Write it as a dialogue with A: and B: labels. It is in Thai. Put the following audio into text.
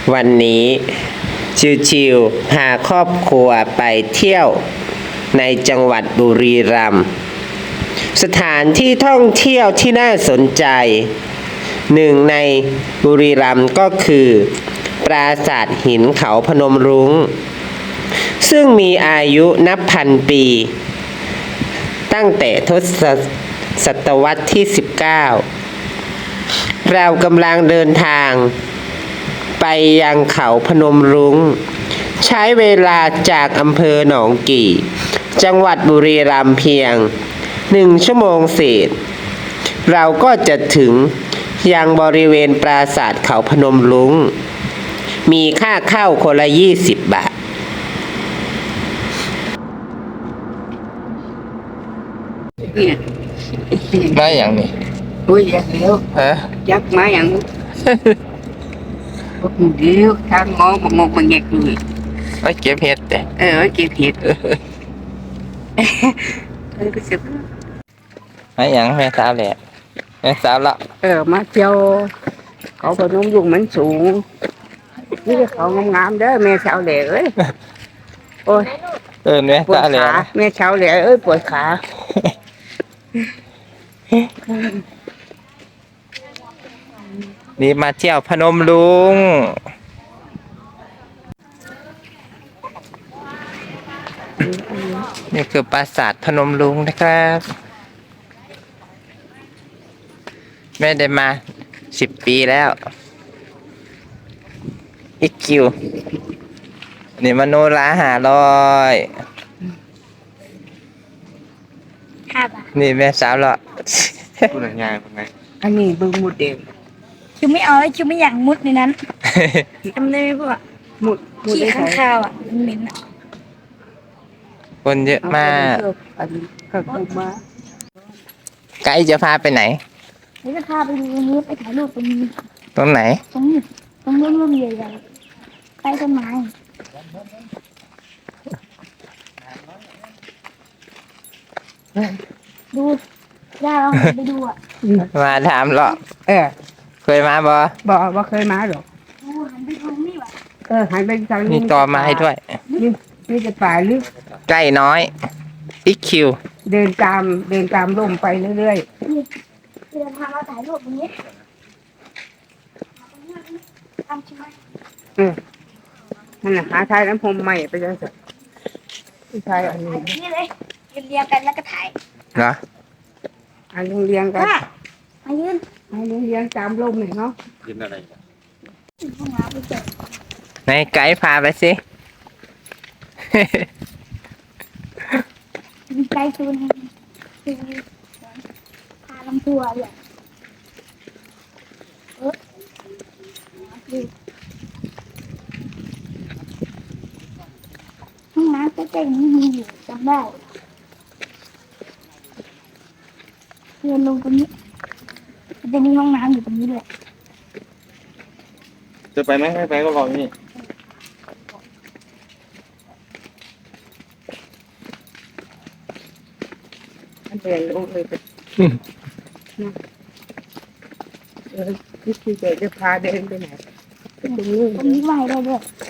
A: วันนี้ชิวๆพาครอบครัวไปเที่ยวในจังหวัดบุรีรัมย์สถานที่ท่องเที่ยวที่น่าสนใจหนึ่งในบุรีรัมย์ก็คือปราสาทหินเขาพนมรุ้งซึ่งมีอายุนับพันปีตั้งแต่ทศวรรษที่ 19เรากำลังเดินทางไปยังเขาพนมรุ้งใช้เวลาจากอำเภอหนองกี่จังหวัดบุรีรัมย์เพียง1 ชั่วโมงเศษเราก็จะถึงยังบริเวณปราสาทเขาพนมรุ้งมีค่าเข้าคนละ20 บาท
B: เนี่ย
A: ได้อย่างนี้
B: อุ้ยอยากเลี้ยวยักมาอย่างพวกเลี้ยวทางงอมองมันแยกเลย
A: ไว้เก็บเห็ดแต่
B: เก็บเห็ดรู้สึก
A: ไม่อย่างแม่สาวแหละแม่สาวละ
B: มาเที่ยวเขาพนมรุ้งมันสูงนี่เขางามๆเด้อแม่สาวแหล่เอ้ยโอ้ย
A: แม่สาวแหละ
B: แม่สาวแหล่เอ้ยปวดขา
A: นี่มาเที่ยวพนมรุ้งนี่คือปราสาทพนมรุ้งนะครับแม่ได้มา10 ปีแล้วอีกคิวนี่มโนรา500นี่แม่สาวละ
C: พูดง่ายๆไง
B: อันนี้เบิ่งหมดเด็ก
D: คิวไม่เอาแล้วคิวไม่อยากมุดในนั้นจำได้ไหมพวก
B: หมด
D: ขี้ข้างคาวอ่ะมันเหม็นอ่ะ
A: คนเยอะมากไกด์จะพาไปไหน
D: เดี๋ยวจะพาไปดูตรงนี้ไปถ่ายรูปตรงนี้
A: ตรงไหน
D: ตรงนี้ร่มใหญ่ๆใต้ต้นไม้ดูย่าลองไปดูอ่ะ
A: มาถามหรอเคยมา
B: บ่เคยมาหรอก
D: หันไปทางนี้ว่ะ
B: หันไปทางนี้
A: มีต่อมาให้ด้วย
B: นี่จะป่าลึก
A: ใกล้น้อยอีกคิว
B: เดินตามร่มไปเรื่อย
D: ๆเดินทางมาถ่ายรูปตรงนี้ทำใช่ไหม
B: นั่นแหละหาทายน้ำพรมใหม่ไปเลยสิทายอัน
D: นี้เลยเรียงกันแล้วก็ถ่าย
A: เหรอ
B: อันเรียงกัน
D: มายืน
B: เรียงตามร่มหน่อยเนาะ
C: ยืนอะไร
D: ห้องน้ำไปเจอ
A: ในไกด์พาไปสิ
D: มีไกด์ซูนพาลำตัวเลยห้องน้ำใกล้ๆนี้มีอยู่จำได้เดินลงตรงนี้จะมีห้องน้ำอยู่ตรงนี้ด้วย
C: จะไปไหมไม่ไปก็รอนี่
B: เดินลงเลยไปพี่จะพาเดินไปไหน
D: ตรงนี้ไหวได้ด้วย